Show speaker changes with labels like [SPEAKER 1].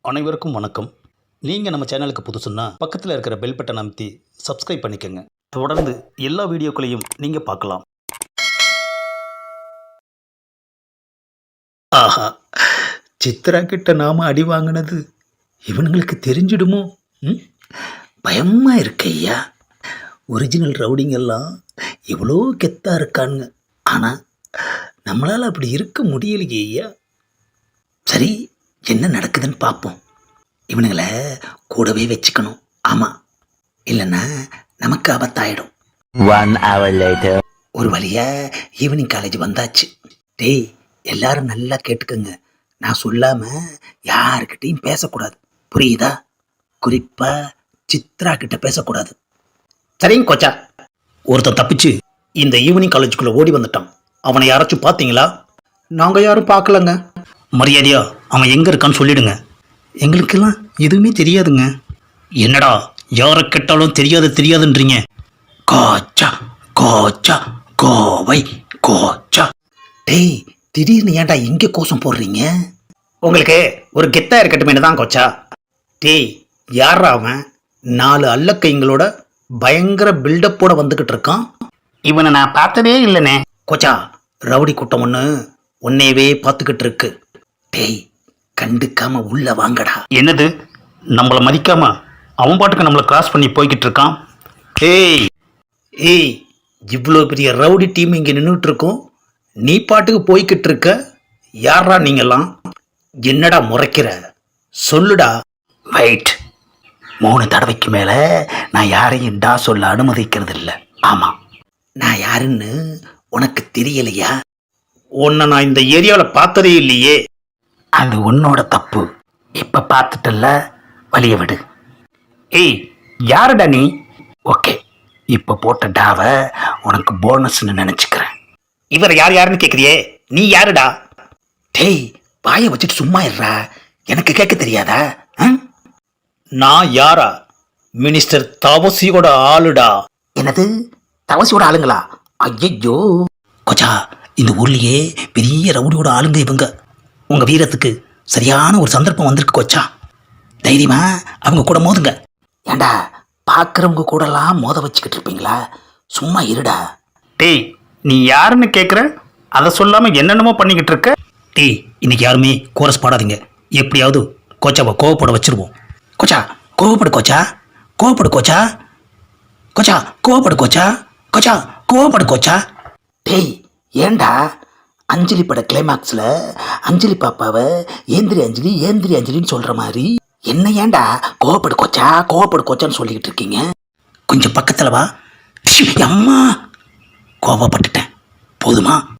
[SPEAKER 1] அனைவருக்கும் வணக்கம். நீங்கள் நம்ம சேனலுக்கு புதுசுன்னா பக்கத்தில் இருக்கிற பெல் பட்டன் அமைத்தி சப்ஸ்கிரைப் பண்ணிக்கோங்க. தொடர்ந்து எல்லா வீடியோக்களையும் நீங்கள் பார்க்கலாம். ஆஹா, சித்ரா கிட்ட நாம அடி வாங்கினது இவனுங்களுக்கு தெரிஞ்சிடுமோ? பயமா இருக்கு ஐயா. ஒரிஜினல் ரவுடிங்கெல்லாம் எவ்வளோ கெத்தாக இருக்கானுங்க. ஆனால் நம்மளால் அப்படி இருக்க முடியலையே ஐயா. சரி, என்ன நடக்குதுன்னு பார்ப்போம். இவனுங்களை கூடவே வச்சுக்கணும். ஆமாம், இல்லைன்னா நமக்கு ஆபத்தாயிடும்.
[SPEAKER 2] 1 hour later.
[SPEAKER 1] ஒரு வழியாக ஈவினிங் காலேஜ் வந்தாச்சு. டேய், எல்லாரும் நல்லா கேட்டுக்கோங்க. நான் சொல்லாமல் யாருக்கிட்டையும் பேசக்கூடாது, புரியுதா? குறிப்பாக சித்ரா கிட்ட பேசக்கூடாது. சரிங்க கோச்சா. ஒருத்தன் தப்பிச்சு இந்த ஈவினிங் காலேஜுக்குள்ளே ஓடி வந்துட்டான். அவனை யாராச்சும் பார்த்தீங்களா? நாங்கள் யாரும் பார்க்கலங்க. மரியாதையா அவன் எங்கே இருக்கான்னு சொல்லிடுங்க. எங்களுக்கெல்லாம் எதுவுமே தெரியாதுங்க. என்னடா யாரை கேட்டாலும் தெரியாதுன்றீங்க? கோச்சா கோச்சா கோவை கோச்சா. டேய், திடீர்னு ஏன்டா இங்கே கோஷம் போடுறீங்க? உங்களுக்கு ஒரு கெத்தா இருக்கட்டும் தான் கோச்சா. டேய், யாரா அவன்? 4 அல்லக்கைங்களோட பயங்கர பில்டப்போட வந்துக்கிட்டு இருக்கான். இவனை நான் பார்த்ததே இல்லைண்ணே. கோச்சா, ரவுடி கூட்டம் ஒன்று உன்னையவே பார்த்துக்கிட்டு இருக்கு. டேய், கண்டுக்காம உள்ள வாங்கடா. என்னது, நம்மளை மதிக்காம அவன் பாட்டுக்கு நம்மளை கிராஸ் பண்ணி போய்கிட்டு இருக்கான். ஏய், இவ்வளோ பெரிய ரவுடி டீம் இங்கே நின்றுட்டு இருக்கோம், நீ பாட்டுக்கு போய்கிட்டு இருக்க. யாரா நீங்கெல்லாம்? என்னடா முறைக்கிற? சொல்லுடா. வெயிட், 3 தடவைக்கு மேலே நான் யாரையும் டா சொல்ல அனுமதிக்கிறது இல்லை. ஆமாம், நான் யாருன்னு உனக்கு தெரியலையா? உன்னை நான் இந்த ஏரியாவில் பார்த்ததே இல்லையே. அது உன்னோட தப்பு. இப்போ பார்த்துட்டல்ல, வழிய விடு. ஏய், யாருடா நீ? ஓகே, இப்போ போட்ட டாவை உனக்கு போனஸ்ன்னு நினச்சிக்கிறேன். இவர் யாருன்னு கேட்குறியே, நீ யாருடா? டேய், வாயை வச்சுட்டு சும்மா இருடா. எனக்கு கேட்க தெரியாதா? நான் யாரா? மினிஸ்டர் தவசியோட ஆளுடா. என்னது, தவசியோட ஆளுங்களா? ஐயோ கொச்சா, இந்த ஊர்லேயே பெரிய ரவுடியோட ஆளுங்க இவங்க. உங்கள் வீரத்துக்கு சரியான ஒரு சந்தர்ப்பம் வந்திருக்கு கொச்சா. தைரியமா அவங்க கூட மோதுங்க. ஏண்டா, பார்க்குறவங்க கூடலாம் மோத வச்சுக்கிட்டு இருப்பீங்களா? சும்மா இருடா. டேய், நீ யாருன்னு கேட்குற, அதை சொல்லாமல் என்னென்னமோ பண்ணிக்கிட்டு இருக்க. டேய், இன்னைக்கு யாருமே கோரஸ் பாடாதீங்க. எப்படியாவது கோச்சாவை கோவப்பட வச்சிருவோம். கோச்சா, கோவப்படு கோச்சா, கோவப்படு கோச்சா, கோச்சா கோவப்படு கோச்சா, கோச்சா கோவப்படு கோச்சா. டேய், ஏண்டா அஞ்சலி பட கிளைமாக்ஸில் அஞ்சலி பாப்பாவை ஏந்திரி அஞ்சலின்னு சொல்கிற மாதிரி என்ன ஏண்டா கோவப்படு கோச்சான்னு சொல்லிக்கிட்டு இருக்கீங்க? கொஞ்சம் பக்கத்தில் வா. அம்மா, கோவப்பட்டுட்டேன், போதுமா?